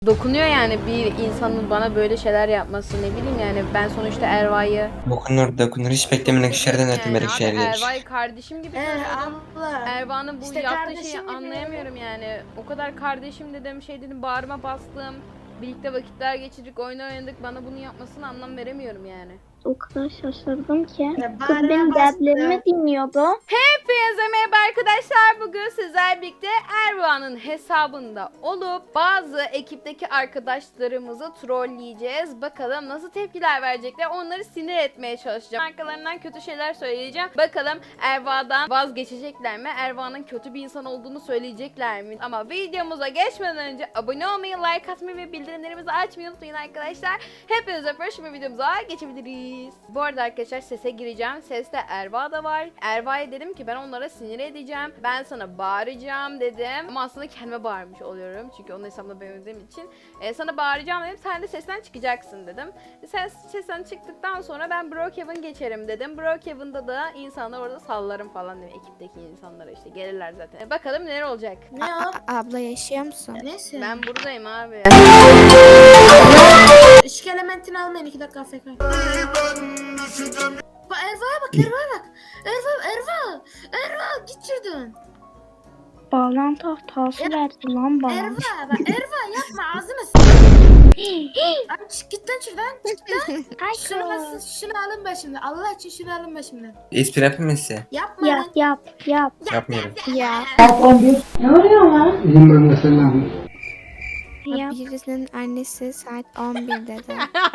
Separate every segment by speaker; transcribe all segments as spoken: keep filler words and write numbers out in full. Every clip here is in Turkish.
Speaker 1: Dokunuyor yani bir insanın bana böyle şeyler yapması, ne bileyim yani ben sonuçta Erva'yı
Speaker 2: Dokunur dokunur hiç beklemedik şeylerden
Speaker 1: yani
Speaker 2: ötmedik
Speaker 1: abi
Speaker 2: şeyler.
Speaker 1: Erva'yı kardeşim gibi
Speaker 3: Ee,
Speaker 1: görüyorum.
Speaker 3: abla.
Speaker 1: Erva'nın bu
Speaker 3: İşte
Speaker 1: yaptığı şeyi
Speaker 3: kardeşim gibi.
Speaker 1: anlayamıyorum yani. O kadar kardeşim dedim, şey dedim, bağrıma bastım. Birlikte vakitler geçirdik, oyun oynadık. Bana bunu yapmasını anlam veremiyorum yani.
Speaker 4: O kadar şaşırdım ki.
Speaker 3: Ya
Speaker 4: Kız
Speaker 3: bağrına
Speaker 4: benim
Speaker 3: bastı.
Speaker 4: dertlerimi dinliyordu.
Speaker 1: Hepinize merhaba arkadaşlar. Bugün sizlerle birlikte Erva'nın hesabında olup bazı ekipteki arkadaşlarımızı trolleyeceğiz. Bakalım nasıl tepkiler verecekler. Onları sinir etmeye çalışacağım. Arkalarından kötü şeyler söyleyeceğim. Bakalım Erva'dan vazgeçecekler mi? Erva'nın kötü bir insan olduğunu söyleyecekler mi? Ama videomuza geçmeden önce abone olmayı, like atmayı ve bildirimlerimizi açmayı unutmayın arkadaşlar. Hepinize öpüyorum. Şimdi videomuza geçebiliriz. Bu arada arkadaşlar sese gireceğim. Seste Erva da var. Erva'ya dedim ki ben onlara sinir edeceğim. Ben sana bağıracağım dedim. Ama aslında kendime bağırmış oluyorum. Çünkü onun hesabına benzediğim için. E, sana bağıracağım dedim. Sen de sesten çıkacaksın dedim. Sen sesten çıktıktan sonra ben Brookhaven geçerim dedim. Brookhaven'da da insanlar orada sallarım falan dedim. Ekipteki insanlara işte gelirler zaten. E, bakalım neler olacak.
Speaker 3: Ne o?
Speaker 5: Abla yaşıyor musun?
Speaker 3: Neyse.
Speaker 1: Ben buradayım abi.
Speaker 3: Işık elementini almayın iki dakika afk. Bak Erva'ya bak Erva'ya bak. Erva Erva. Erva git şuradan.
Speaker 4: Bağlantı hatası verdi lan bana.
Speaker 3: Erva bak Erva yapma ağzını s***. Abi çık git lan şuradan. Çık lan. Şunu, alsın, şunu alın başımdan. Allah için şunu alın başımdan.
Speaker 2: Espri yapayım mı size?
Speaker 3: Yapma
Speaker 4: Yap
Speaker 3: lan.
Speaker 4: yap yap.
Speaker 2: Yapmıyorum.
Speaker 5: Ya.
Speaker 6: İyiyim ben de sen ne yapıyorsun?
Speaker 4: Yap.
Speaker 5: Birisinin annesi saat on bir dedi.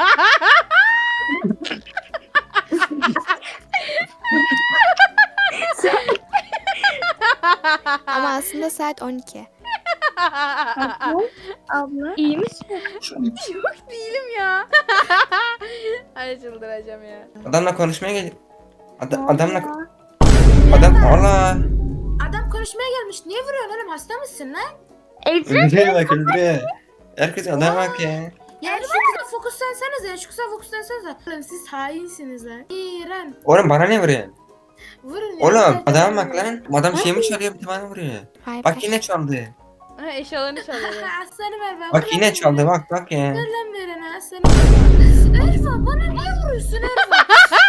Speaker 5: Ama aslında saat on iki.
Speaker 4: Abla, abla iyi misin?
Speaker 1: Yok değilim ya. Ay çıldıracağım ya.
Speaker 2: Adamla konuşmaya gel. Ad-
Speaker 4: Ne
Speaker 2: adamla
Speaker 4: oluyor?
Speaker 2: adam Allah.
Speaker 3: Adam konuşmaya gelmiş. Niye vuruyorsun oğlum? Hasta mısın lan?
Speaker 4: Ece.
Speaker 2: Öldürüyor bak öldürüyor. Herkes adam bak ya.
Speaker 3: Ya şu kıza fokuslansanız ya. Şu kıza fokuslansanız ya. Oğlum siz hainsiniz lan. İğren.
Speaker 2: Oğlum bana ne vuruyorsun?
Speaker 3: Vurun ya.
Speaker 2: Oğlum adam bak lan. Adam şey mi çalıyor bir de bana vuruyor.
Speaker 5: Hayır.
Speaker 2: Bak yine çaldı.
Speaker 1: Ha, eşyalarını çalıyor.
Speaker 3: Aslanı ver ben.
Speaker 2: Bak yine çaldı bak bak ya.
Speaker 3: Ver lan verene aslanı ver. Erva bana niye vuruyorsun Erva?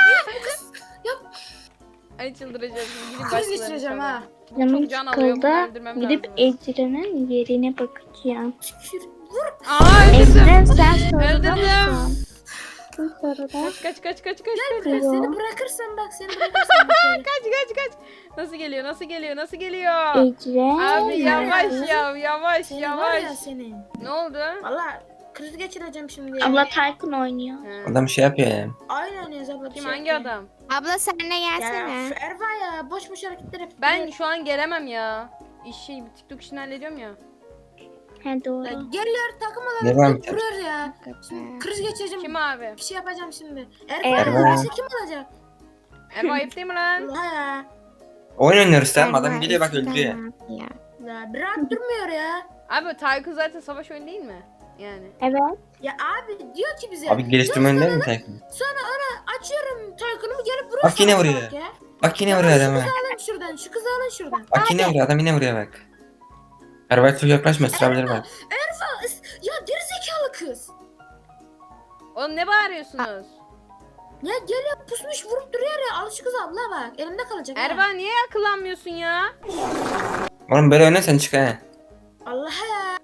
Speaker 1: Ay çıldıracağım. Şimdi gidin
Speaker 3: Kriz
Speaker 1: başkalarını
Speaker 3: geçireceğim
Speaker 1: çalın.
Speaker 3: ha.
Speaker 4: Canım
Speaker 1: Çok can alıyor, bunu
Speaker 4: sıkıldı.
Speaker 1: öldürmem
Speaker 4: Gidip
Speaker 1: lazım.
Speaker 4: Ecren'in yerine bakacağım.
Speaker 3: Tükür. Vur.
Speaker 1: Aa öldürdüm.
Speaker 4: Ecren sen soruda
Speaker 1: Öldürdüm.
Speaker 4: mısın? Kim soruda?
Speaker 1: Kaç kaç kaç kaç kaç kaç.
Speaker 3: Ben
Speaker 4: Yo.
Speaker 3: seni bırakırsam bak seni bırakırsam bak böyle.
Speaker 1: Kaç kaç kaç. Nasıl geliyor? Nasıl geliyor? Nasıl geliyor?
Speaker 4: Ecren.
Speaker 1: Abi yavaş
Speaker 4: neredesin?
Speaker 1: ya, yavaş
Speaker 3: Seni var ya
Speaker 1: yavaş.
Speaker 3: seni.
Speaker 1: Ne oldu?
Speaker 3: Valla kriz geçireceğim şimdi.
Speaker 4: Abla Tayfun oynuyor.
Speaker 1: Ha.
Speaker 2: Adam şey yapıyor ya.
Speaker 3: Aynen oynuyoruz abla. bir
Speaker 1: Kim
Speaker 3: şey
Speaker 1: hangi
Speaker 3: yapmayın.
Speaker 1: adam?
Speaker 5: Abla sen de
Speaker 3: Ya
Speaker 5: gelsene.
Speaker 3: şu Erva ya boş boş hareketler yapıyor.
Speaker 1: Ben şu an gelemem ya. İşi TikTok işini hallediyorum ya.
Speaker 4: He
Speaker 3: Ya
Speaker 4: doğru.
Speaker 3: geliyor takım
Speaker 2: Ne
Speaker 3: olarak
Speaker 2: var
Speaker 3: da vuruyor ya. Şimdi kriz geçireceğim.
Speaker 1: Kim abi?
Speaker 3: Bir şey yapacağım şimdi.
Speaker 4: Erva.
Speaker 3: Erva ya kim alacak?
Speaker 1: Erva ayıp değil mi lan?
Speaker 3: Allah ya.
Speaker 2: Oyun oynuyoruz tamam
Speaker 5: Erva
Speaker 2: adam geliyor bak
Speaker 5: eskiden
Speaker 2: öldürüyor.
Speaker 5: ne yaptı ya?
Speaker 3: Ya bir rahat durmuyor ya.
Speaker 1: Abi Tayku zaten savaş oyunu değil mi? Yani.
Speaker 4: Evet.
Speaker 3: Ya abi diyor ki bize.
Speaker 2: Abi geliştirme oyunu değil mi Tayfun?
Speaker 3: Sonra ona açıyorum Taykun'umu gelip vuruyor.
Speaker 2: Bak yine
Speaker 3: sana
Speaker 2: vuruyor.
Speaker 3: bak ya.
Speaker 2: Bak yine
Speaker 3: Ya
Speaker 2: vuruyor
Speaker 3: Şu
Speaker 2: adama.
Speaker 3: kızı alın şuradan. Şu kızı alın şuradan.
Speaker 2: Bak yine vuruyor adam yine vuruyor bak. Arabaya çok yaklaşma ısırabilir bak.
Speaker 3: Erva is- ya gerizekalı kız.
Speaker 1: Oğlum ne bağırıyorsunuz?
Speaker 3: Ya geliyor pusmuş vurup duruyor ya. Al şu kızı abla bak. Elimde kalacak. ha.
Speaker 1: Erva niye akıllanmıyorsun ya?
Speaker 2: Oğlum böyle oynarsan çık ha.
Speaker 3: Allah ya.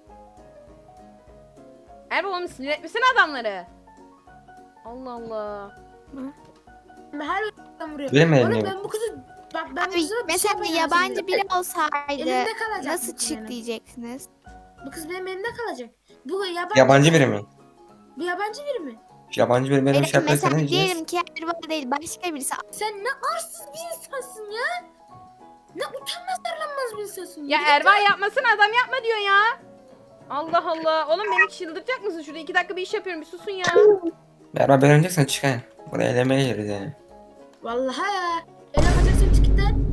Speaker 1: Erva oğlum sinir etmesene adamları. Allah Allah.
Speaker 3: Ben her yerden vuruyor.
Speaker 2: Benim
Speaker 3: Oğlum
Speaker 2: elimde.
Speaker 3: ben bu kızı bak ben bu
Speaker 5: Abi
Speaker 3: kızı bir şey
Speaker 5: mesela
Speaker 3: yapacağım
Speaker 5: yabancı
Speaker 3: şimdi.
Speaker 5: biri olsaydı
Speaker 3: Elimde kalacak.
Speaker 5: nasıl
Speaker 3: bu kız
Speaker 5: çık
Speaker 3: benim.
Speaker 5: diyeceksiniz?
Speaker 3: Bu kız benim elimde kalacak. Bu yabancı.
Speaker 2: Yabancı biri mi?
Speaker 3: Bu yabancı biri mi?
Speaker 2: Yabancı biri benim
Speaker 5: Benim
Speaker 2: şey yaparsa ne
Speaker 5: mesela
Speaker 2: diyeceğiz?
Speaker 5: diyelim ki Erva değil başka birisi.
Speaker 3: Sen ne arsız bir insansın ya. Ne utanmaz darlanmaz bir insansın.
Speaker 1: Ya
Speaker 3: Yürü
Speaker 1: Erva
Speaker 3: git
Speaker 1: yapmasın adam yapma diyor ya. Allah Allah. Oğlum beni çıldırtacak mısın? Şurada iki dakika bir iş yapıyorum. Bir susun ya.
Speaker 2: Beraber ben oynayacaksan çık ha. Buraya elemeye gireriz yani.
Speaker 3: lan. Vallahi ya. El yapacaksın çık git lan.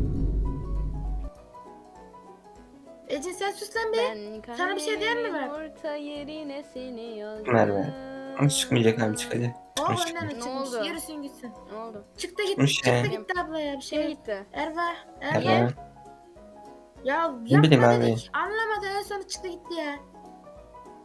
Speaker 3: Ece sen sus lan be.
Speaker 1: Ben
Speaker 3: Sana bir şey diyen mi var?
Speaker 1: orta yerine seni yazdım.
Speaker 2: Merve. Ama çıkmayacak abi çık hadi.
Speaker 3: O
Speaker 2: Çıkmış
Speaker 3: oyundan
Speaker 2: çıkmış.
Speaker 1: Ne
Speaker 3: açılmış.
Speaker 1: oldu?
Speaker 3: Yürüsün gitsin.
Speaker 1: Ne oldu?
Speaker 3: Çıktı gitti.
Speaker 2: Çıkmış ya.
Speaker 3: Çıktı gitti abla ya bir
Speaker 1: Kim
Speaker 3: şey.
Speaker 1: gitti?
Speaker 3: Erva. Erva.
Speaker 2: Erva.
Speaker 3: Ya
Speaker 2: Ne bileyim
Speaker 3: yapma
Speaker 2: abi.
Speaker 3: dedik. Anlamadı en son çıktı gitti ya.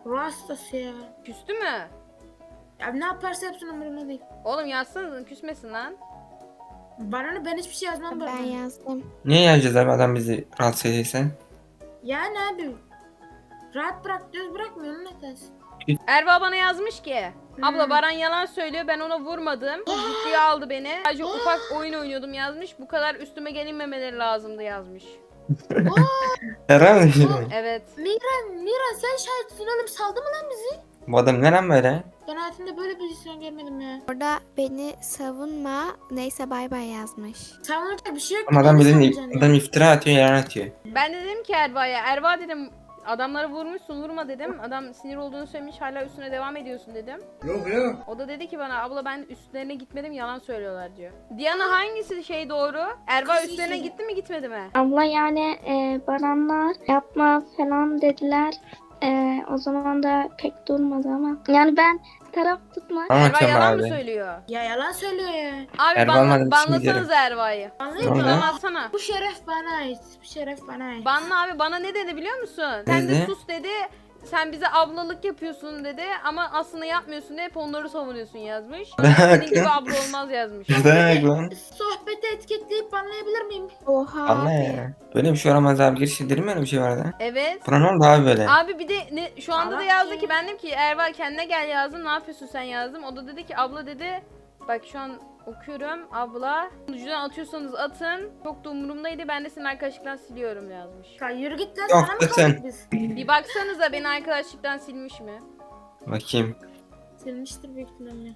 Speaker 3: Ruh hastası ya.
Speaker 1: Küstü mü?
Speaker 3: Ya ne yaparsa yapsın umurumda değil.
Speaker 1: Oğlum yazsanız küsmesin lan.
Speaker 3: Bana ne, ben hiçbir şey yazmam
Speaker 5: Ben
Speaker 3: böyle.
Speaker 5: yazdım.
Speaker 2: Niye yazacağız abi adam bizi rahatsız ediyse?
Speaker 3: Yani abi. Rahat bırak diyoruz, bırakmıyor, onun hatası.
Speaker 1: Erva bana yazmış ki. Abla
Speaker 3: Hmm.
Speaker 1: Baran yalan söylüyor, ben ona vurmadım. Ciddiye aldı beni. Sadece ufak oyun oynuyordum yazmış. Bu kadar üstüme gelinmemeleri lazımdı yazmış.
Speaker 2: Herhalde.
Speaker 1: Evet.
Speaker 3: Miran, Miran sen şahitsin oğlum, saldı mı lan bizi?
Speaker 2: Bu adam neren böyle?
Speaker 3: Ben hayatımda böyle bir insan görmedim ya.
Speaker 5: Orada beni savunma. Neyse bay bay yazmış.
Speaker 3: Savunacak bir şey yok.
Speaker 2: Ama adam
Speaker 3: Beni
Speaker 2: bildiğin
Speaker 3: savunacaksın
Speaker 2: adam
Speaker 3: ya.
Speaker 2: iftira atıyor, yalan atıyor.
Speaker 1: Ben de dedim ki Erva'ya. Erva dedim adamları vurmuşsun, vurma dedim. Adam sinir olduğunu söylemiş, hala üstüne devam ediyorsun dedim.
Speaker 2: Yok yok.
Speaker 1: O da dedi ki bana abla ben üstlerine gitmedim, yalan söylüyorlar diyor. Diana hangisi şey doğru? Erva
Speaker 3: Kız
Speaker 1: üstlerine
Speaker 3: iyi.
Speaker 1: gitti mi gitmedi mi?
Speaker 4: Abla yani e, Baranlar yapma falan dediler. E, o zaman da pek durmadı ama. Yani ben taraf tutma.
Speaker 1: Erva
Speaker 2: Anlatıyorum
Speaker 1: yalan mı
Speaker 2: abi.
Speaker 1: söylüyor?
Speaker 3: Ya yalan söylüyor ya.
Speaker 1: Abi
Speaker 2: Erva
Speaker 1: banla,
Speaker 2: olmadan
Speaker 1: banlasanız Erva'yı.
Speaker 3: Anlıyor
Speaker 2: Ne
Speaker 3: musun?
Speaker 2: oldu?
Speaker 1: Banlatsana.
Speaker 3: Bu şeref bana ait. Bu şeref bana ait.
Speaker 1: Banla abi, bana ne dedi biliyor musun? Sen de
Speaker 2: dedi?
Speaker 1: sus dedi. Sen bize ablalık yapıyorsun dedi ama aslında yapmıyorsun, hep onları savunuyorsun yazmış. Senin gibi abla olmaz yazmış.
Speaker 2: Bak lan.
Speaker 3: Sohbeti etiketleyip banlayabilir miyim?
Speaker 5: Oha
Speaker 2: Anla
Speaker 5: abi.
Speaker 2: ya. Böyle bir şey olamaz abi. Girişi değil mi öyle bir şey vardı?
Speaker 1: Evet.
Speaker 2: Buna ne oldu abi böyle?
Speaker 1: Abi bir de ne, şu anda da
Speaker 3: Allah
Speaker 1: yazdı
Speaker 3: ya.
Speaker 1: ki ben dedim ki Erva kendine gel yazdım, ne yapıyorsun sen yazdım. O da dedi ki abla dedi bak şu an okuyorum abla. Ucudan atıyorsanız atın. Çok da umurumdaydı, ben de senin arkadaşlıktan siliyorum yazmış.
Speaker 3: Ya yürü git lan,
Speaker 2: Yok
Speaker 3: sana mı
Speaker 2: be sen.
Speaker 3: kaldık biz?
Speaker 1: Bir baksanıza beni arkadaşlıktan silmiş mi?
Speaker 2: Bakayım.
Speaker 3: Silmiştir büyük ihtimalle.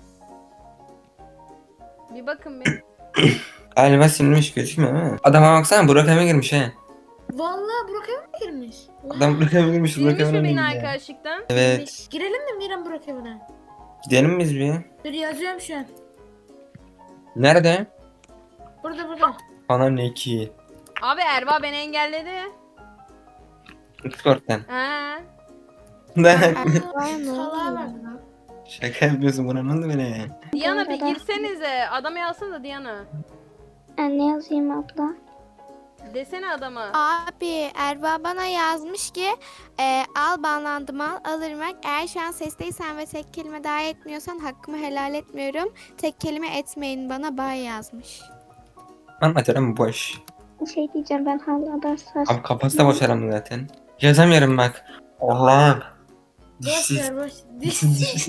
Speaker 1: Bir bakın bir.
Speaker 2: Galiba silinmiş gözükmüyor değil mi? Adama baksana Burak Emre girmiş he.
Speaker 3: Vallahi Burak evine mi girmiş?
Speaker 2: Adam Burak Emre girmiş. Burak
Speaker 1: Silmiş mi
Speaker 2: Emre
Speaker 1: beni
Speaker 2: girmiş.
Speaker 1: arkadaşlıktan?
Speaker 2: Evet.
Speaker 3: Girelim mi Miran Burak evine?
Speaker 2: Gidelim mi biz bir?
Speaker 3: Dur yazıyorum şu an.
Speaker 2: Nerede?
Speaker 3: Burada burada.
Speaker 2: Ana ne ki?
Speaker 1: Abi Erva beni engelledi.
Speaker 2: Discord'dan.
Speaker 1: Ha.
Speaker 5: Erva'ya ne
Speaker 3: Salağa bak.
Speaker 5: oluyor?
Speaker 2: Şaka yapıyorsun, buna ne oldu böyle?
Speaker 1: Diana bir
Speaker 4: Merhaba.
Speaker 1: girsenize. Adama yazsana Diana.
Speaker 4: E, ne yazayım abla?
Speaker 1: Desene adama.
Speaker 5: Abi Erva bana yazmış ki e, al banlandım al alırım bak. Eğer şu an sesteysen ve tek kelime daha etmiyorsan hakkımı helal etmiyorum. Tek kelime etmeyin bana bay yazmış.
Speaker 2: Anlatıyorum boş.
Speaker 4: Bir şey diyeceğim, ben hala ders
Speaker 2: Abi kafası da boş adamın zaten. Yazamıyorum bak. Allah'ım.
Speaker 3: Boş
Speaker 2: Dişsiz.
Speaker 3: ver boş. Dişsiz.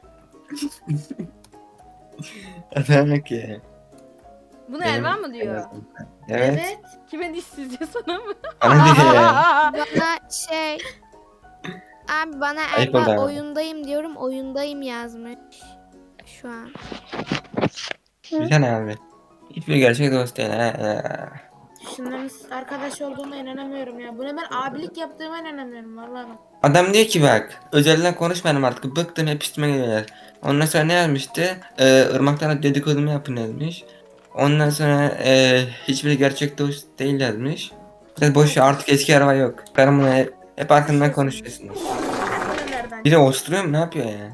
Speaker 2: Adam ki.
Speaker 1: Bunu
Speaker 2: Benim-
Speaker 1: Erva mı diyor?
Speaker 2: Evet.
Speaker 3: Evet.
Speaker 1: Kime dişsiz diyor, sana mı?
Speaker 2: Bana diyor ya.
Speaker 5: Bana şey abi bana
Speaker 2: Ayıp oldu
Speaker 5: Erva
Speaker 2: ama.
Speaker 5: oyundayım diyorum oyundayım yazmış. Şu an.
Speaker 2: Güzel abi. Hiçbir gerçek dost değil. Ha, ha.
Speaker 3: Şunların arkadaş olduğuma inanamıyorum ya. Buna ben abilik yaptığıma inanamıyorum vallahi bak.
Speaker 2: Adam diyor ki bak. Özelden konuşmayalım artık. Bıktım, hep üstüme geliyorlar. Ondan sonra ne yazmıştı? Ee, Irmak'tan dedikodumu yapın yazmış. Ondan sonra e, hiçbir gerçek dost değil yazmış. Biraz boş ver, artık eski araba yok. Karımla hep, hep arkamdan konuşuyorsunuz.
Speaker 3: Nelerden?
Speaker 2: Biri osturuyor mu, ne yapıyor ya?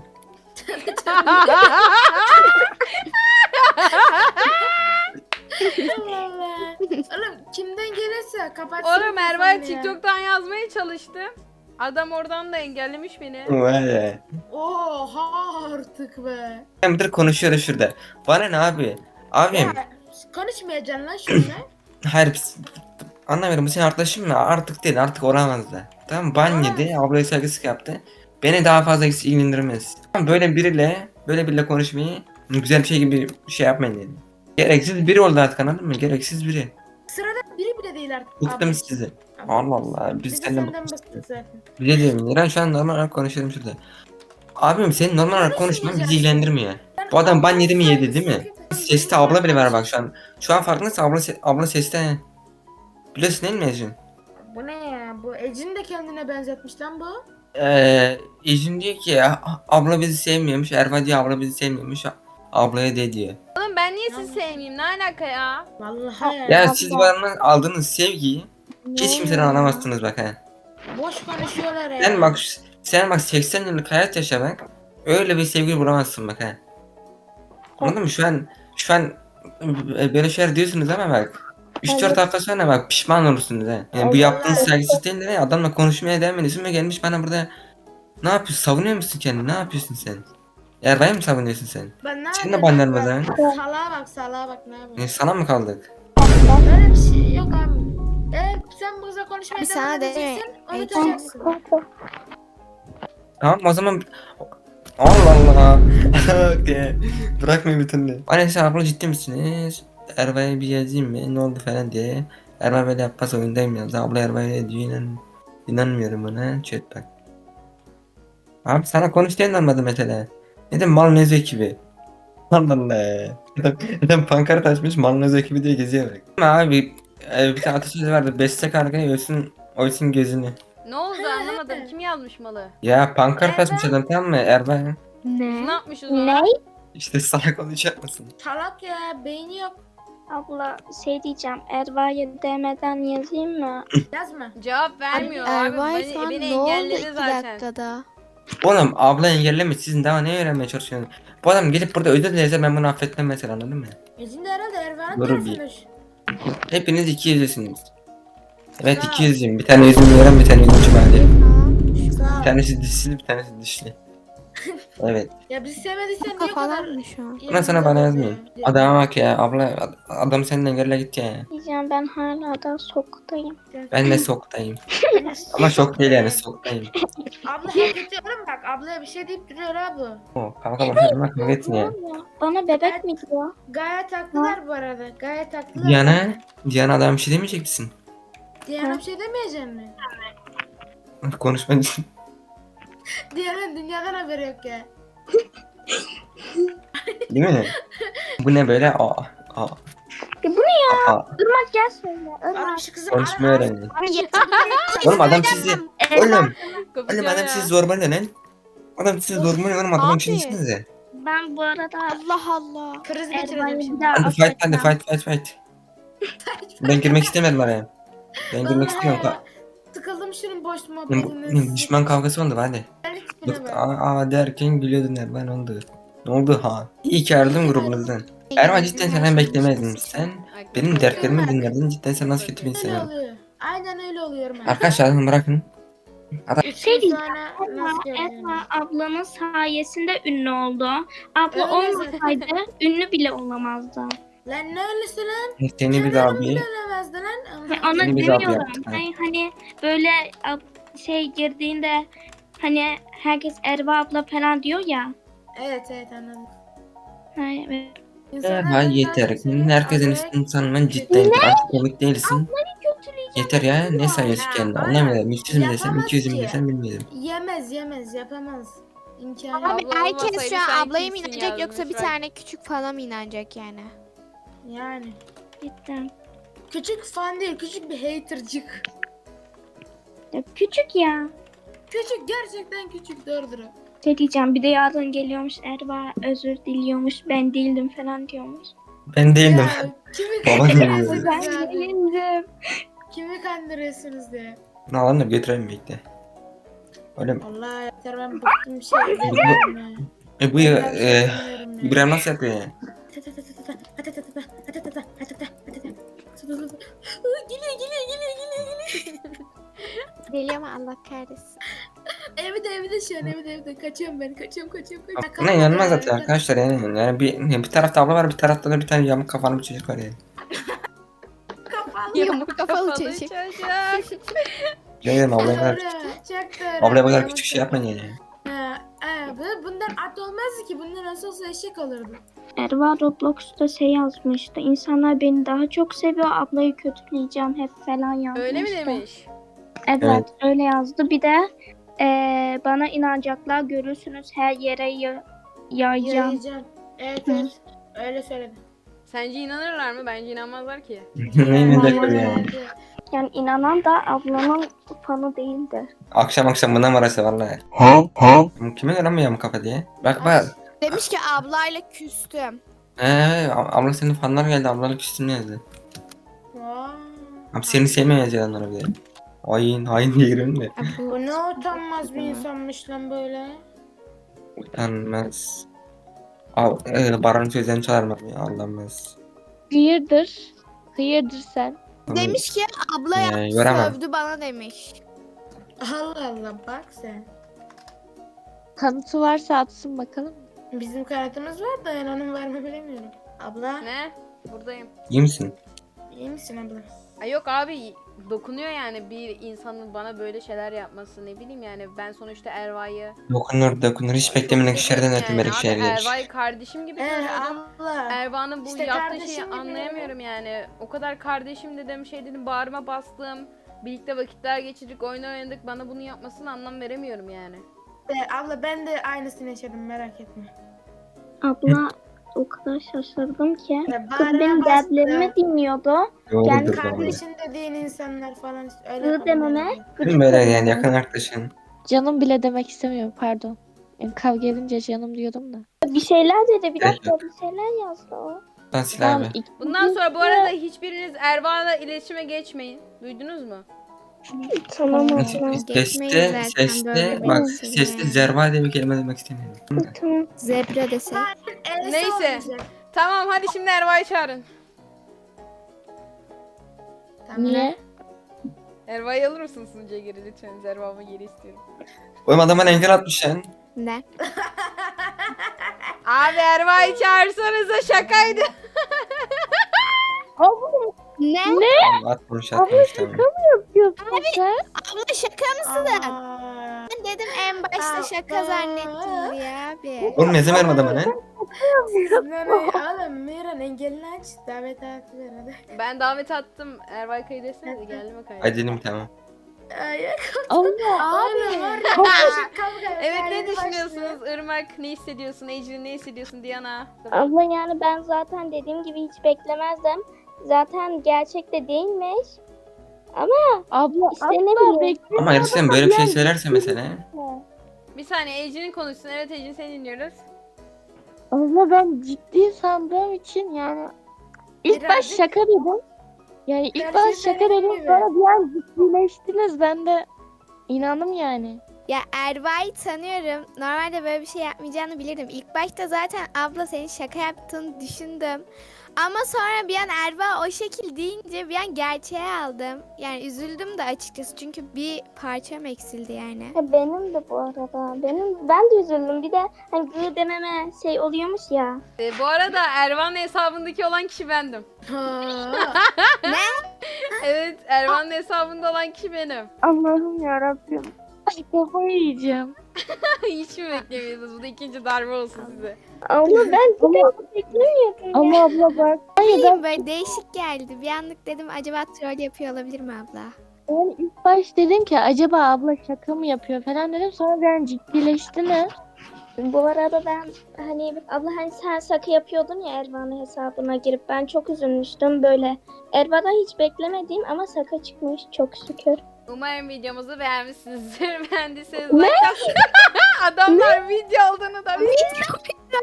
Speaker 3: Allah Allah. Oğlum kimden gelirse kapat.
Speaker 1: Oğlum Erva'ya TikTok'tan yazmaya çalıştım. Adam oradan da engellemiş beni.
Speaker 2: Vay ya.
Speaker 3: Oha artık be.
Speaker 2: Ben bir konuşuyoruz şurada. Bana ne abi? Abim.
Speaker 3: Ya, konuşmayacaksın lan şunla.
Speaker 2: Hayır biz- anlamıyorum, bu senin arkadaşın mı? Artık değil, artık olamaz da. Tamam, ban yedi, ablaya saygısızlık yaptı. Beni daha fazla ilgilendirmez. Tamam, böyle biriyle böyle biriyle konuşmayı güzel bir şey gibi bir şey yapmayın dedim. Gereksiz biri oldu artık, anladın mı? Gereksiz biri.
Speaker 3: Sırada biri bile değil artık.
Speaker 2: Bıktım
Speaker 3: Abi.
Speaker 2: sizi.
Speaker 3: Abi,
Speaker 2: Allah Allah, biz
Speaker 3: Biz de
Speaker 2: senden
Speaker 3: senden
Speaker 2: bıktık.
Speaker 3: bıktık zaten.
Speaker 2: Bir de diyorum, İran şu an normal olarak konuşalım şurada. Abim senin normal olarak konuşman bizi ilgilendirmiyor. Bu adam ban yedi mi yedi değil mi? Seste abla bile var bak şu an. Şu an farkındaysan abla, se- abla seste. Biliyorsun değil mi Ecin?
Speaker 3: Bu ne ya? Bu Ecin de kendine benzetmiş lan bu.
Speaker 2: Eee Ecin diyor ki ya, abla bizi sevmiyormuş. Erva diyor abla bizi sevmiyormuş. Ablaya de diyor.
Speaker 1: Oğlum ben niye sizi sevmeyeyim? Ne alaka ya?
Speaker 3: Vallahi ya.
Speaker 2: Ya siz bana aldığınız sevgiyi hiç kimseden alamazsınız bak ha.
Speaker 3: Boş konuşuyorlar ya.
Speaker 2: Sen bak sen bak seksen yıllık hayat yaşa bak. Öyle bir sevgi bulamazsın bak ha. Anladın mı? Şu an şu an e, böyle şeyler diyorsunuz ama bak üç dört
Speaker 4: Evet.
Speaker 2: hafta sonra bak pişman olursunuz ha. Yani bu
Speaker 3: Allah
Speaker 2: yaptığınız
Speaker 3: Allah.
Speaker 2: saygısız değil de ne? Adamla konuşmaya devam ediyorsun ve gelmiş bana burada Ne yapıyorsun? Savunuyor musun kendini? Ne yapıyorsun sen? Erva'yı mı savunuyorsun sen?
Speaker 3: Ben ne
Speaker 2: Sen de
Speaker 3: yapayım?
Speaker 2: banlanma
Speaker 3: Ben-
Speaker 2: lan.
Speaker 3: Salağa bak salağa bak ne yapayım?
Speaker 2: E, sana mı kaldık?
Speaker 3: Böyle bir şey yok abi. Eğer sen bu kızla konuşmaya
Speaker 5: Abi
Speaker 3: devam
Speaker 5: sana
Speaker 3: edeceksin,
Speaker 5: deme.
Speaker 3: unutacaksın.
Speaker 2: Tamam o zaman... Allah Allah. Okey. Bırakmayın bir türlü. Annesi abla ciddi misiniz? Erva'ya bir yazayım mı? Ne oldu falan diye. Erva böyle yapmaz oyundayım yazdı. Abla Erva'ya ne diyor inan... İnanmıyorum ona. Chat bak. Abi sana konuş diye inanmadım mesela. Neden Malnez ekibi? Allah Allah. Adam, adam pankart açmış Malnez ekibi diye geziyor bak. Ama abi e, bir tane atasözü vardı. Besle kargayı ölsün, oysun gözünü.
Speaker 1: Ne oldu anlamadım. Kim yazmış malı?
Speaker 2: Ya pankart açmış adam tamam mı Erva?
Speaker 1: Biz ne
Speaker 5: Ne?
Speaker 1: yapmışız ona?
Speaker 4: Ne?
Speaker 2: İşte salak konuşacak mısın?
Speaker 3: Salak ya, beyni yok.
Speaker 4: Abla şey diyeceğim. Erva'ya D M'den yazayım mı?
Speaker 3: Yazma.
Speaker 1: Cevap vermiyor abi.
Speaker 5: Ervay
Speaker 1: Beni,
Speaker 5: falan
Speaker 1: beni
Speaker 5: ne oldu
Speaker 1: engelledi
Speaker 5: iki
Speaker 1: zaten.
Speaker 5: dakikada?
Speaker 2: Oğlum abla engelleme sizin daha ne öğrenmeye çalışıyorsunuz? Bu adam gelip burada özür dilese ben bunu affetmem mesela anladın mı?
Speaker 3: Yüzünde herhalde Ervan'ın
Speaker 2: Doğru
Speaker 3: tarafında.
Speaker 2: Hepiniz iki yüzlüsünüz. Evet
Speaker 3: Sağ ol.
Speaker 2: iki yüzlüyüm. Bir tane yüzüm veren bir tane yüzüm çıkardı.
Speaker 5: Tamam.
Speaker 3: Sağ ol.
Speaker 2: Bir tanesi dişli bir tanesi dişli. Evet.
Speaker 3: Ya bizi sevmediysen niye o kadar...
Speaker 5: Kafalar mı şu an?
Speaker 2: Buna sana bana yazmayayım. Adama bak ya abla ad- adam seninle engelle git ya.
Speaker 4: Diyeceğim ben hala da soktayım.
Speaker 2: Ben de soktayım. Ama şok değil yani soktayım.
Speaker 3: Abla hak ediyorum bak. Ablaya bir şey deyip duruyor abi.
Speaker 2: O kanka bak adama kavga etsin ya.
Speaker 4: Bana bebek mi diyor?
Speaker 3: Gayet haklılar bu arada. Gayet haklılar.
Speaker 2: Diana, Diana adam bir şey demeyecek misin?
Speaker 3: Diana bir şey demeyeceğim mi?
Speaker 2: Konuşma için.
Speaker 3: Diana dünyadan haberi yok ya.
Speaker 2: Değil mi? Bu ne böyle? Aa, aa.
Speaker 4: E bu ne ya?
Speaker 2: Aa,
Speaker 4: Irmak gel söyle.
Speaker 3: Oğlum
Speaker 4: Irmak.
Speaker 3: şu kızı
Speaker 2: konuşmayı
Speaker 3: ara-
Speaker 2: öğrenin.
Speaker 5: Abi
Speaker 2: Oğlum adam sizi... Oğlum,
Speaker 1: Kopacağım
Speaker 2: oğlum adam
Speaker 1: ya.
Speaker 2: sizi zorbalıyor lan. Adam sizi zorbalıyor oğlum adamın
Speaker 5: Abi.
Speaker 2: içindesinize.
Speaker 4: Ben bu arada
Speaker 5: Allah Allah.
Speaker 3: Kriz geçireceğim
Speaker 4: Erva'yı bir
Speaker 3: şimdi.
Speaker 4: daha
Speaker 2: Hadi fight hadi
Speaker 4: affetmem.
Speaker 2: fight fight fight. Ben girmek istemedim araya. Ben girmek
Speaker 3: Vallahi
Speaker 2: istemiyorum.
Speaker 3: ya.
Speaker 2: Ka-
Speaker 3: Sıkıldım şunun boş
Speaker 2: Oğlum,
Speaker 3: muhabbetinden.
Speaker 2: düşman kavgası oldu hadi.
Speaker 3: Geldik tipine
Speaker 2: Bık,
Speaker 3: bak.
Speaker 2: aa, aa derken gülüyordun Erman oldu. Ne oldu ha? İyi ki ayrıldım grubunuzdan. Erman cidden senden beklemezdim. Sen
Speaker 1: Bak,
Speaker 2: benim
Speaker 1: bak,
Speaker 2: dertlerimi
Speaker 3: bak.
Speaker 2: dinledin. Cidden sen nasıl kötü bir
Speaker 3: Öyle
Speaker 2: insansın.
Speaker 3: oluyor. Aynen öyle oluyorum ben.
Speaker 2: Arkadaşlar adamı bırakın.
Speaker 3: Üç
Speaker 4: Şey
Speaker 3: gün
Speaker 4: diyeceğim,
Speaker 3: sonra
Speaker 4: Erva,
Speaker 3: nasıl göreceğim?
Speaker 4: Erva ablanın sayesinde ünlü oldu. Abla
Speaker 3: Öyle
Speaker 4: olmasaydı ünlü bile olamazdı.
Speaker 3: Lan ne öylesi lan?
Speaker 2: Seni bir
Speaker 3: Kenarım
Speaker 2: abi.
Speaker 3: bile ölemezdi lan.
Speaker 4: Ve ona
Speaker 2: Seni biz abi
Speaker 4: demiyorum.
Speaker 2: yaptık, ha.
Speaker 4: Hani, hani böyle ab- şey girdiğinde hani herkes Erva abla falan diyor ya.
Speaker 3: Evet evet anladım.
Speaker 4: Ha, evet.
Speaker 3: İnsanlar
Speaker 2: Ha
Speaker 3: benden
Speaker 2: yeter.
Speaker 3: çok
Speaker 2: Herkesin
Speaker 3: acayip-
Speaker 2: üstünü sanman cidden. Artık komik değilsin.
Speaker 4: Kötüleyeceğim.
Speaker 2: Yeter ya. Ne sayıyorsun
Speaker 3: Ya,
Speaker 2: kendini?
Speaker 3: aynen.
Speaker 2: Anlamadım. üç yüz mü desem
Speaker 3: Yapamaz
Speaker 2: iki yüz mü
Speaker 3: ki.
Speaker 2: desem bilmiyorum.
Speaker 3: Yemez yemez yapamaz. İmkanı
Speaker 5: Abi
Speaker 3: yok.
Speaker 1: Abla
Speaker 5: herkes
Speaker 1: olmasaydı
Speaker 5: şu an
Speaker 1: sen
Speaker 5: ablaya mı
Speaker 1: kimsin
Speaker 5: inanacak yoksa
Speaker 1: yazmış
Speaker 5: bir
Speaker 1: bak.
Speaker 5: tane küçük falan mı inanacak yani?
Speaker 3: Yani.
Speaker 4: Cidden.
Speaker 3: Küçük fan değil küçük bir hatercık.
Speaker 4: Ya küçük ya.
Speaker 3: Küçük gerçekten küçük doğrudur. o.
Speaker 4: Ne diyeceğim bir de yarın geliyormuş Erva özür diliyormuş ben değildim falan diyormuş.
Speaker 2: Ben değildim.
Speaker 3: Ya, kimi
Speaker 2: Baba
Speaker 3: kandırıyorsunuz
Speaker 4: Ben
Speaker 3: ya?
Speaker 4: değildim.
Speaker 3: Kimi kandırıyorsunuz diye.
Speaker 2: Bunu alalım da götürelim bekle. Öyle mi?
Speaker 3: Allah yeter ben bıktım bir şey demiyorum ya.
Speaker 2: E bu
Speaker 3: Ben
Speaker 2: ya,
Speaker 3: bir şey
Speaker 2: e,
Speaker 3: demiyorum ya.
Speaker 2: İbrahim nasıl yapıyor ya?
Speaker 3: Geliyor geliyor geliyor geliyor geliyor.
Speaker 5: Deli ama Allah kahretsin.
Speaker 3: Evde evde şu an evde evde kaçıyorum ben kaçıyorum kaçıyorum kaçıyorum.
Speaker 2: Buna inanmaz zaten arkadaşlar yani. Yani bir, bir tarafta abla var bir tarafta da bir tane yamuk kafalı bir çocuk var yani.
Speaker 3: Kafalı.
Speaker 5: Yamuk kafalı çocuk.
Speaker 2: Görüyorum ablaya kadar
Speaker 3: Doğru, çok doğru.
Speaker 2: ablaya kadar
Speaker 3: Yamuk
Speaker 2: küçük şey
Speaker 3: kafalı.
Speaker 2: yapmayın yani.
Speaker 3: Ha, ha, bu- bundan at olmazdı ki. Bundan nasıl olsa eşek olurdu.
Speaker 4: Erva Roblox'ta şey yazmıştı. İnsanlar beni daha çok seviyor ablayı kötüleyeceğim hep falan yazmıştı.
Speaker 1: Öyle mi demiş?
Speaker 4: Evet,
Speaker 2: Evet.
Speaker 4: öyle yazdı. Bir de eee, bana inanacaklar görürsünüz her yere ya- yayacağım.
Speaker 3: Yayacağım. Evet evet. Öyle söyledi.
Speaker 1: Sence inanırlar mı? Bence inanmazlar ki.
Speaker 2: Ne inanacaklar
Speaker 4: Vallahi.
Speaker 2: yani.
Speaker 4: Yani inanan da ablamın fanı değildir.
Speaker 2: Akşam akşam buna arası vallahi. Ha ha. Kime göre mi yamuk kafa diye? Bak bak.
Speaker 5: Demiş ki ablayla küstüm.
Speaker 2: Eee abla senin fanlar geldi ablalık üstüne yazdı.
Speaker 3: Vay.
Speaker 2: Abi seni sevmiyor yazıyor onlara bir de. Hain hain diye girelim de.
Speaker 5: Abi
Speaker 3: Bu ne utanmaz bir insanmış lan böyle.
Speaker 2: Utanmaz. Al, e, Baran'ın sözlerini çalarım ya Allah'ımız.
Speaker 6: Hayırdır? Hayırdır sen?
Speaker 5: Demiş ki abla
Speaker 2: Ee,
Speaker 5: yaptı,
Speaker 2: göremem.
Speaker 5: sövdü bana demiş.
Speaker 3: Allah Allah bak sen.
Speaker 6: Kanıtı varsa atsın bakalım.
Speaker 3: Bizim kartımız var da yani onun var mı bilemiyorum. Abla
Speaker 1: Ne? Buradayım.
Speaker 2: İyi misin?
Speaker 3: iyi misin abla?
Speaker 1: Ay yok abi, dokunuyor yani bir insanın bana böyle şeyler yapması, ne bileyim yani ben sonuçta Erva'yı
Speaker 2: Dokunur dokunur. Hiç
Speaker 1: çok
Speaker 2: beklemedik
Speaker 1: seviyorum
Speaker 2: şeylerden ötürü böyle
Speaker 1: abi,
Speaker 2: şeyler gelir.
Speaker 1: Erva'yı kardeşim gibi
Speaker 3: Ee,
Speaker 1: tanıyordum.
Speaker 3: abla.
Speaker 1: Erva'nın bu
Speaker 3: İşte
Speaker 1: yaptığı
Speaker 3: kardeşim
Speaker 1: şeyi
Speaker 3: gibi.
Speaker 1: anlayamıyorum yani. O kadar kardeşim dedim, şey dedim, bağrıma bastım. Birlikte vakitler geçirdik, oyun oynadık. Bana bunu yapmasını anlam veremiyorum yani.
Speaker 3: Ee, abla ben de aynısını yaşadım merak etme.
Speaker 4: Abla o kadar şaşırdım ki.
Speaker 3: Ee,
Speaker 4: Kız
Speaker 3: bağrına
Speaker 4: benim
Speaker 3: bastı.
Speaker 4: dertlerimi dinliyordu.
Speaker 2: Doğrudur
Speaker 4: Yani
Speaker 2: doğru.
Speaker 3: Kardeşin dediğin insanlar falan öyle
Speaker 4: Gı dememe
Speaker 3: yapabilirler.
Speaker 4: gıcık
Speaker 2: Değil mi böyle
Speaker 4: oluyorum.
Speaker 2: yani yakın arkadaşın?
Speaker 6: Canım bile demek istemiyorum pardon. Yani kavga edince canım diyordum da.
Speaker 4: Bir şeyler dedi. Bir
Speaker 2: Gerek
Speaker 4: dakika bir şeyler yazdı o.
Speaker 2: Lan sil
Speaker 6: Tamam,
Speaker 2: abi.
Speaker 6: ik-
Speaker 1: Bundan sonra bu arada hiçbiriniz Erva'la iletişime geçmeyin. Duydunuz mu?
Speaker 4: Tamam abla.
Speaker 5: Geçmeyiz
Speaker 2: Sesli,
Speaker 5: zaten
Speaker 2: sesli,
Speaker 5: böyle
Speaker 2: bak
Speaker 5: bir şey
Speaker 2: sesli
Speaker 5: yani.
Speaker 2: zerva diye bir kelime demek istemiyorum.
Speaker 4: Tamam.
Speaker 5: Zebra desek.
Speaker 3: E'si
Speaker 1: Neyse.
Speaker 3: olmayacak.
Speaker 1: Tamam hadi şimdi Erva'yı çağırın.
Speaker 3: Tamam.
Speaker 6: Niye?
Speaker 1: Erva'yı alır mısın sunucuya geri lütfen? Erva'mı geri istiyorum.
Speaker 2: Oğlum adam bana engel atmış lan.
Speaker 5: Ne?
Speaker 1: Abi Erva'yı çağırsanıza, şakaydı.
Speaker 5: Ne?
Speaker 2: Tamam, atmamış atmamış tamam.
Speaker 6: Yapıyorsun sen?
Speaker 5: Abla şaka mısın?
Speaker 3: Aa,
Speaker 5: Ben dedim en başta şaka
Speaker 3: Aa.
Speaker 5: zannettim diye abi.
Speaker 2: Oğlum ne zaman adama ne?
Speaker 3: ne ne oğlum Miran engelini aç davet hakkı ver hadi.
Speaker 1: Ben davet attım. Erva'yı kaydetsenize, geldim o kaydı.
Speaker 2: Hadi dedim tamam.
Speaker 3: Ay,
Speaker 6: Allah.
Speaker 3: oğlum var ya kavga kavga.
Speaker 1: Evet, ne
Speaker 3: Kaydı başlıyor.
Speaker 1: düşünüyorsunuz? Irmak ne hissediyorsun? Ecrin ne hissediyorsun? Diana.
Speaker 4: Abla yani ben zaten dediğim gibi hiç beklemezdim. Zaten gerçekte değilmiş.
Speaker 6: Abla
Speaker 4: İşte ne
Speaker 6: asla
Speaker 4: bileyim.
Speaker 6: beklemiyordum.
Speaker 2: Ama gerçekten böyle bir şey söylerse mesela.
Speaker 1: Bir saniye, Ecrin konuşsun. Evet Ecrin, seni dinliyoruz.
Speaker 6: Abla ben ciddi sandığım için yani ilk baş
Speaker 3: Birazcık-
Speaker 6: şaka dedim. Yani ilk
Speaker 3: Gerçi
Speaker 6: baş şaka
Speaker 3: senin
Speaker 6: dedim
Speaker 3: gibi.
Speaker 6: sonra bir an ciddileştiniz ben de inandım yani.
Speaker 5: Ya Erva'yı tanıyorum. Normalde böyle bir şey yapmayacağını bilirdim. İlk başta zaten abla senin şaka yaptığını düşündüm. Ama sonra bir an Erva o şekil deyince bir an gerçeğe aldım. Yani üzüldüm de açıkçası çünkü bir parçam eksildi yani.
Speaker 4: Ya benim de bu arada. Benim ben de üzüldüm. Bir de hani gı dememe şey oluyormuş ya.
Speaker 1: Ee, bu arada Ervan'ın hesabındaki olan kişi bendim.
Speaker 3: Aa,
Speaker 1: Evet, Ervan'ın hesabında olan kişi benim.
Speaker 6: Allah'ım yarabbim. Ay kafayı yiyeceğim.
Speaker 1: Hiç mi beklemiyordunuz? Bu da ikinci darbe olsun size.
Speaker 4: Abla ben hiç beklemiyordum ya.
Speaker 6: Ama abla bak. Hayır ben,
Speaker 5: Bilmiyorum, böyle değişik geldi. Bir anlık dedim acaba troll yapıyor olabilir mi abla?
Speaker 6: ben ilk baş dedim ki acaba abla şaka mı yapıyor falan dedim sonra ben ciddileştiniz.
Speaker 4: Bu arada ben hani abla hani sen şaka yapıyordun ya Ervan'ın hesabına girip ben çok üzülmüştüm böyle. Ervan'dan hiç beklemediğim ama şaka çıkmış çok şükür.
Speaker 1: Umarım videomuzu beğenmişsinizdir. Beğendiyseniz like atın. Adamlar video olduğunu da bilmiyor.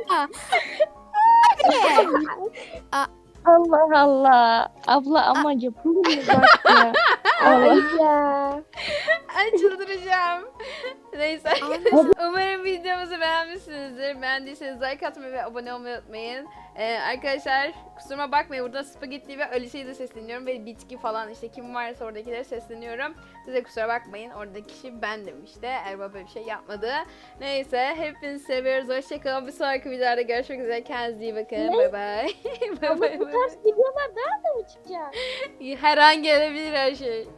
Speaker 6: Allah Allah. Abla ama yapılır mı bak ya.
Speaker 4: Ay
Speaker 6: Allah.
Speaker 4: ya.
Speaker 1: Ay çıldıracağım. Neyse arkadaşlar. Umarım videomuzu beğenmişsinizdir. Beğendiyseniz like atmayı ve abone olmayı unutmayın. Ee, arkadaşlar kusuruma bakmayın. Burada Spagetti ve Alice'yi de sesleniyorum. Ve bitki falan işte kim varsa oradakileri sesleniyorum. Size kusura bakmayın. Oradaki kişi bendim işte. Erba böyle bir şey yapmadı. Neyse hepinizi seviyoruz. Hoşçakalın. Bir sonraki videoda görüşmek üzere. Kendinize iyi bakın. Bay bay. Bay
Speaker 4: Abla
Speaker 1: bay.
Speaker 4: bu tarz videolar nerede mi çıkacak?
Speaker 1: Her an gelebilir her şey.